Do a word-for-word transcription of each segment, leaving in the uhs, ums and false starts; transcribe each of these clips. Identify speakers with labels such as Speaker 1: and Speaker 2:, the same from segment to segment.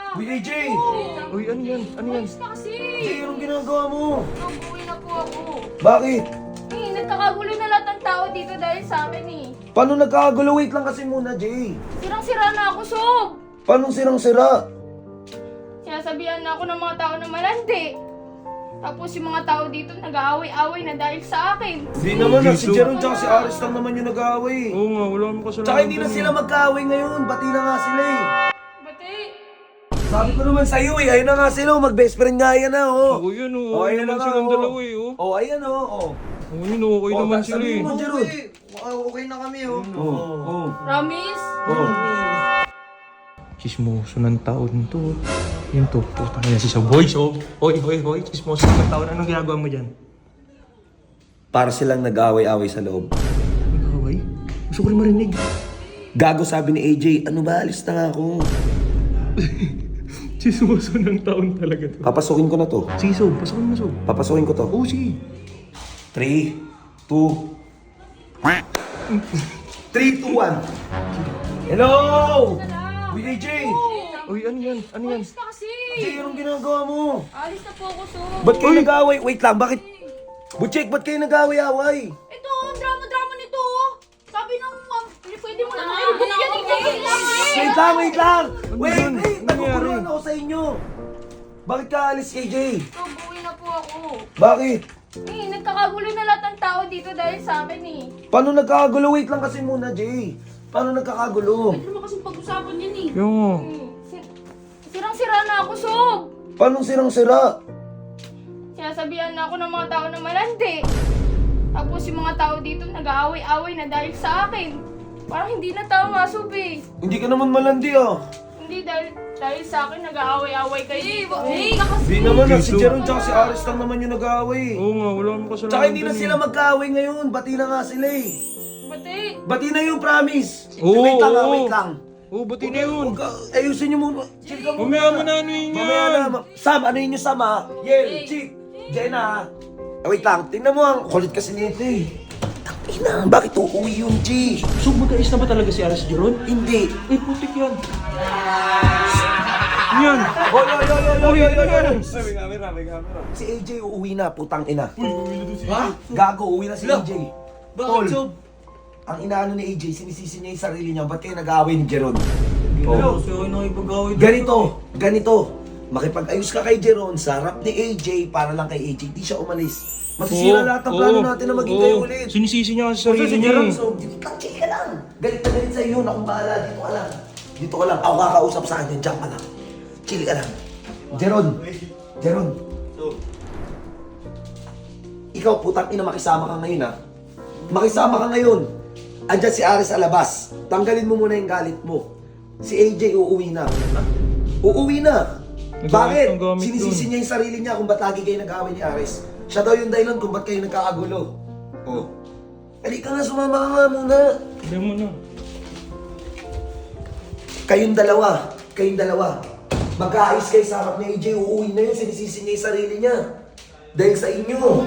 Speaker 1: Uy, A J!
Speaker 2: Uy, ano yan? Ano yan?
Speaker 3: Alis na kasi.
Speaker 1: A J, anong ginagawa mo?
Speaker 3: Nabuwi na po ako.
Speaker 1: Bakit?
Speaker 3: Eh, nagkakagulo na lahat ng tao dito dahil sa akin eh.
Speaker 1: Paano nagkakagulo? Wait lang kasi muna, Jay.
Speaker 3: Sirang-sira na ako, Sob.
Speaker 1: Paano sirang-sira?
Speaker 3: Sinasabihan na ako ng mga tao na malandi. Tapos yung mga tao dito nag-aaway-away na dahil sa akin.
Speaker 1: Hindi naman na, si
Speaker 2: Jesus.
Speaker 1: Jeron tsaka si Aris lang naman yung nag-aaway.
Speaker 2: Oo nga, wala akong kasalanan.
Speaker 1: Tsaka hindi na
Speaker 2: dun
Speaker 1: sila
Speaker 2: eh.
Speaker 1: magkaaway ngayon, bati na nga sila eh.
Speaker 3: Bati.
Speaker 1: Sabi ko naman sa'yo eh, ayun na nga sila, mag-best friend nga yan na oh.
Speaker 2: Oo, yun oh.
Speaker 1: Oh,
Speaker 2: Okay
Speaker 1: ayun
Speaker 2: naman
Speaker 1: na nga,
Speaker 2: silang
Speaker 1: oh.
Speaker 2: dalawa eh, oh.
Speaker 1: Oh, ayan oh, oh.
Speaker 2: Oo, yun oh, okay
Speaker 1: Oh,
Speaker 2: naman
Speaker 1: ta-
Speaker 2: sila eh.
Speaker 1: sabihin mo, Jeron.
Speaker 4: Okay na kami, oh.
Speaker 1: Oh, oh,
Speaker 3: Promise?
Speaker 1: oh.
Speaker 2: Chismoso ng taon to. Yun to, putang ina si Sob. Hoy, Sob. Hoy, hoy, hoy. Chismoso ng taon. Anong ginagawa mo dyan?
Speaker 1: Para silang nag-aaway-away sa loob.
Speaker 2: Nag-away? Gusto ko rin marinig.
Speaker 1: Gago sabi ni A J, ano ba, alis na nga ako.
Speaker 2: Chismoso ng taon talaga to.
Speaker 1: Papasukin ko na to.
Speaker 2: Sige, Sob. Pasakin mo, Sob.
Speaker 1: Papasukin ko to.
Speaker 2: Oo, sige.
Speaker 1: three, two, three, two, one. Hello! Uy, A J!
Speaker 2: Uy, ano yan? Ano yan?
Speaker 3: Alis na kasi.
Speaker 1: A J, anong ginagawa mo?
Speaker 3: Alis na po ako, Sob.
Speaker 1: Ba't kayo nag-aaway? Wait lang, bakit? Butchek, ba't kayo nag-aaway-aaway?
Speaker 3: Ito, ang drama-drama nito. oh. Sabi ng ma'am, pwede mo na maibot yan eh.
Speaker 1: Wait lang, wait lang!
Speaker 2: Ano
Speaker 1: Wait,
Speaker 2: yun?
Speaker 1: wait!
Speaker 2: Ano
Speaker 1: Nagkukuloan
Speaker 2: nangyari?
Speaker 1: ako sa inyo! Bakit ka alis, A J?
Speaker 3: Sob, uwi na po ako.
Speaker 1: Bakit?
Speaker 3: Eh, nagkakagulo na lahat ng tao dito dahil sa akin eh.
Speaker 1: Paano nagkakagulo? Wait lang kasi muna, Jay. Paano nagkakagulo?
Speaker 3: Ano naman kasing pag-usapan yan eh?
Speaker 2: Yung nga.
Speaker 3: Hmm, sir- Sirang-sira na ako, Sob.
Speaker 1: Paano sirang-sira?
Speaker 3: Sinasabihan na ako ng mga tao na malandi. Tapos yung mga tao dito nag-aaway-away na dahil sa akin. Parang hindi na tama, Sob eh.
Speaker 1: Hindi ka naman malandi ah.
Speaker 3: Hindi dahil dahil sa akin nag-aaway-away kayo dito. Eh, kasi.
Speaker 1: Hindi naman na, si
Speaker 2: Jesus.
Speaker 1: Jeron tsaka si Aris lang naman yung nag-aaway.
Speaker 2: Oo nga, wala akong kasalanan.
Speaker 1: Tsaka hindi na
Speaker 2: dun eh.
Speaker 1: sila magkaaway ngayon, bati na nga sila eh.
Speaker 3: Bati.
Speaker 1: Bati na yung promise.
Speaker 2: Oo,
Speaker 1: wait lang ah,
Speaker 2: oo.
Speaker 1: wait lang.
Speaker 2: Oo, ba't na yun?
Speaker 1: Huwag ka- Ayusin niyo muna. Chill ka muna.
Speaker 2: Mamaya mo na ano yun
Speaker 1: Mamaya na.
Speaker 2: yan.
Speaker 1: ma- Sam, ano yun yung Sam ah? Yel, Chick, Jenna. Ah, wait lang, tingnan mo ang kulit kasi nito eh. Tangina, bakit uuwi yun, G?
Speaker 2: So, magkaayos na ba talaga si Aris Jeron?
Speaker 1: Hindi.
Speaker 2: Eh, putik yan. Ano yan?
Speaker 1: Hoy, hoy, hoy, hoy, hoy, hoy, hoy, hoy.
Speaker 4: May camera, may camera.
Speaker 1: Si A J uuwi na, putang ina. Ha? Gago, uuwi na si A J. Tol, ang inaano ni A J, sinisisi niya yung sarili niya, ba't kayo nag-aaway ni Jeron?
Speaker 4: Hello, so ako nakipag-away dito.
Speaker 1: Ganito, ganito. Makipag-ayos ka kay Jeron sa harap ni A J para lang kay A J, di siya umalis. Masisira
Speaker 2: Oo,
Speaker 1: lahat ng plano
Speaker 2: oo,
Speaker 1: natin na maging
Speaker 2: oo.
Speaker 1: kayo ulit.
Speaker 2: Sinisisi niya kasi
Speaker 1: So,
Speaker 2: sarili
Speaker 1: si
Speaker 2: niya
Speaker 1: Jeron,
Speaker 2: eh.
Speaker 1: so, dito ka, chill ka lang. Galit na galit sa iyo, na kung bahala, dito ka lang. Dito ka lang, ako kakausap sa kanya, diyan ka lang. Chill ka lang. Jeron, Jeron,
Speaker 4: So,
Speaker 1: ikaw putang ina makisama ka ngayon ha. Makisama ka ngayon. Andyan si Aris sa labas. Tanggalin mo muna yung galit mo. Si A J uuwi na. Uuwi na.
Speaker 2: Nagamit
Speaker 1: Bakit?
Speaker 2: ng gamit
Speaker 1: Sinisisi
Speaker 2: dun.
Speaker 1: niya yung sarili niya kung ba't lagi kayo nag-aaway ni Aris. Siya daw yung dahilan kung ba't kayo nagkakagulo. Oh. Halika nga, sumama ka nga muna.
Speaker 2: Hindi mo na.
Speaker 1: Kayong dalawa. Kayong dalawa. Magkaayos kayo sa harap ni A J. Uuwi na yun. Sinisisi niya yung sarili niya. Dahil sa inyo. Oh,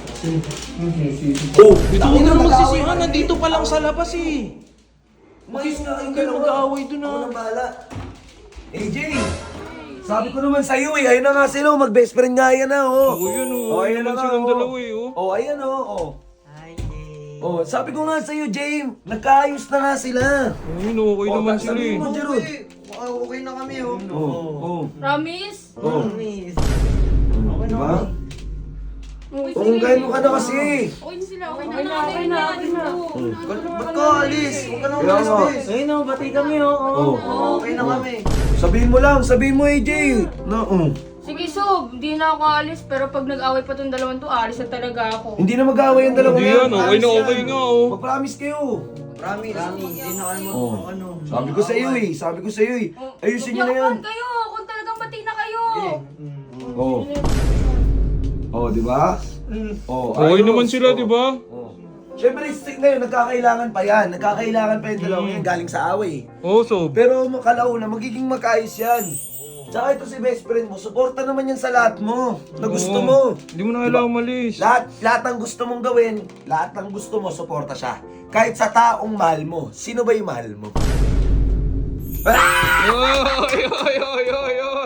Speaker 2: Dito ko
Speaker 1: tangina,
Speaker 2: na
Speaker 1: mag-aaway
Speaker 2: magsisihan.
Speaker 1: na
Speaker 2: Nandito pa lang sa labas eh.
Speaker 1: Mayos nga kayong
Speaker 2: Kayo
Speaker 1: dalawa.
Speaker 2: mag-aaway dun, ah.
Speaker 1: Ako nang bahala. A J, sabi ko naman sa'yo eh, ayun na nga sila, oh, mag-best friend nga yan na, oh.
Speaker 2: Oo, yun oh.
Speaker 1: Oh,
Speaker 2: Ayun
Speaker 1: ayun
Speaker 2: naman
Speaker 1: na nga,
Speaker 2: silang
Speaker 1: oh.
Speaker 2: dalawa eh, oh.
Speaker 1: Oh, ayan oh, oh.
Speaker 4: hi, Jay.
Speaker 1: Oh, sabi ko nga sa'yo, James, nagkaayos na nga sila.
Speaker 2: Oo, yun oh. Okay
Speaker 1: Oh,
Speaker 2: naman
Speaker 1: ta-
Speaker 2: sila
Speaker 1: sabihin
Speaker 2: eh.
Speaker 1: mo, Jeron.
Speaker 4: Okay, okay na kami, oh.
Speaker 1: Oh, oh,
Speaker 3: Promise?
Speaker 1: oh.
Speaker 4: Miss.
Speaker 1: Di ba?
Speaker 3: Uy,
Speaker 1: Kung kaya mo ka na kasi.
Speaker 3: Okay na sila. Okay na. Okay na. Okay na.
Speaker 4: Ba't ba't ka alis? Huwag ka nang
Speaker 1: Kaya
Speaker 4: umalis,
Speaker 1: nga.
Speaker 4: miss.
Speaker 5: Ayun o, bati kami o.
Speaker 1: Oh.
Speaker 4: Okay na kami.
Speaker 1: Sabihin mo lang, sabihin mo, A J. Na, oh.
Speaker 3: Sige, Sob. Hindi na ako alis. Pero pag nag-away pa tong dalawang to, alis na talaga ako.
Speaker 1: Hindi na mag-aaway ang dalawa
Speaker 2: Hindi
Speaker 1: yan.
Speaker 2: yan, okay na
Speaker 1: Promise
Speaker 2: okay
Speaker 1: yan.
Speaker 2: nga oh.
Speaker 1: Mag-promise kayo.
Speaker 4: Promise, hindi na kayo mag,
Speaker 1: Oh.
Speaker 4: ano.
Speaker 1: Sabi ko sa iyo eh, sabi ko sa iyo eh. Ayusin niyo na yan.
Speaker 3: Magyakuan kayo. Kung talagang bati na kayo.
Speaker 1: Oh. Oh, di ba? Oh,
Speaker 2: Okay
Speaker 1: ayos.
Speaker 2: naman sila,
Speaker 1: Oh.
Speaker 2: di ba?
Speaker 1: Oh. Siyempre, stick ngayon, nagkakailangan pa yan. Nagkakailangan pa yung dalawa yan galing sa away.
Speaker 2: Oo, so.
Speaker 1: Pero makalauna, magiging magkaayos yan. Tsaka ito si best friend mo, suporta naman yan sa lahat mo. Na gusto
Speaker 2: Oo.
Speaker 1: mo.
Speaker 2: Hindi mo na kailangan umalis.
Speaker 1: Lahat, lahat ng gusto mong gawin, lahat ng gusto mo, suporta siya. Kahit sa taong mahal mo. Sino ba yung mahal mo?
Speaker 2: Oy, oy, oy, oy, oy,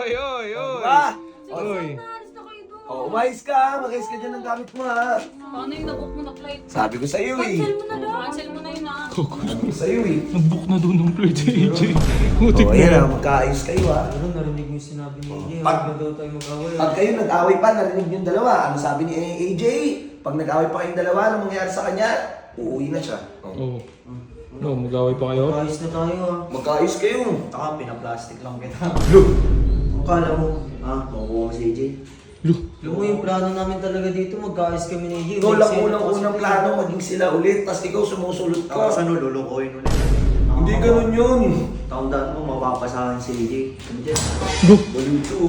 Speaker 1: Umayos ka, mag-ayos ka dyan ng gamit mo ha.
Speaker 5: Paano yung nabook mo na flight?
Speaker 1: Sabi ko sa'yo eh.
Speaker 5: Cancel mo na lang. Cancel mo na yun ah.
Speaker 1: Sabi ko sa'yo eh.
Speaker 2: Nag-book na doon ng flight si A J. Mutik
Speaker 1: O
Speaker 2: na
Speaker 1: ayan
Speaker 2: yan.
Speaker 1: ha, magkaayos kayo ha.
Speaker 4: Ano, narinig mo yung sinabi ni A J.
Speaker 1: Pag-
Speaker 4: Huwag na daw tayo mag-away.
Speaker 1: Pag kayo nag-away pa, narinig yung dalawa. Ano sabi ni A J? Pag nag-away pa kayong dalawa, ano mangyayari sa kanya? Uuwi na siya. Oh.
Speaker 2: Oo. No, mag-away pa kayo?
Speaker 4: Ayos na tayo ah.
Speaker 1: Magkaayos kayo.
Speaker 4: Taka, pinaplastic lang kita.
Speaker 1: Look!
Speaker 4: Ang kala mo, ha? Makukuha mo si A J.
Speaker 2: Look.
Speaker 4: Alam mo yung plano namin talaga dito, mag-ayos kami ni A J.
Speaker 1: Ikaw lang unang-unang plano, maging sila ulit, tapos ikaw sumusulot ka.
Speaker 4: Tapos ano, lulukoyin ulit.
Speaker 1: Hindi ganun yun.
Speaker 4: Taon-daan mo, mapapasahan si A J. Ano dyan?
Speaker 2: Look.
Speaker 1: Balito.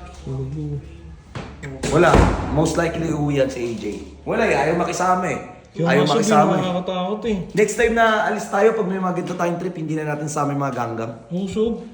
Speaker 1: Wala. Most likely uuwi yan si A J. Wala eh, ayaw makisama eh.
Speaker 2: Kaya
Speaker 1: Ayaw
Speaker 2: nga sabi,
Speaker 1: makisama eh.
Speaker 2: nakakatakot eh.
Speaker 1: Next time na alis tayo, pag may mga ganito tayong trip, hindi na natin sama yung mga ganggang.
Speaker 2: Oo, Sob.